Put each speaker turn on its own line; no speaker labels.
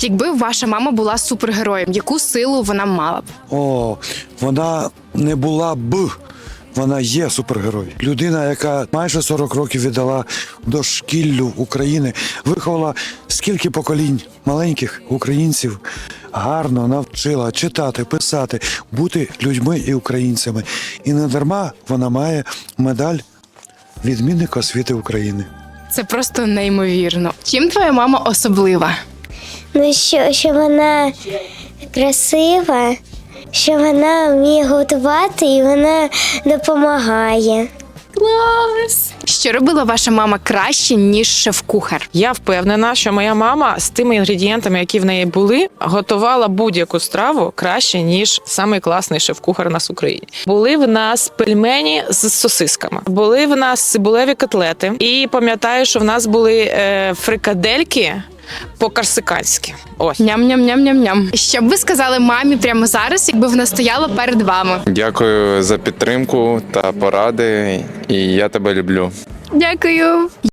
Якби ваша мама була супергероєм, яку силу вона мала б?
О, вона не була б. Вона є супергерой. Людина, яка майже 40 років віддала дошкіллю України, виховала скільки поколінь маленьких українців, гарно навчила читати, писати, бути людьми і українцями. І не дарма вона має медаль відмінника освіти України.
Це просто неймовірно. Чим твоя мама особлива?
Ну, що вона красива, що вона вміє готувати і вона допомагає.
Клас! Що робила ваша мама краще, ніж шеф-кухар?
Я впевнена, що моя мама з тими інгредієнтами, які в неї були, готувала будь-яку страву краще, ніж самий класний шеф-кухар у нас в Україні. Були в нас пельмені з сосисками, були в нас цибулеві котлети. І пам'ятаю, що в нас були фрикадельки по-корсиканськи. Ось.
Ням-ням-ням-ням-ням. Що б ви сказали мамі прямо зараз, якби вона стояла перед вами?
Дякую за підтримку та поради, і я тебе люблю.
Дякую.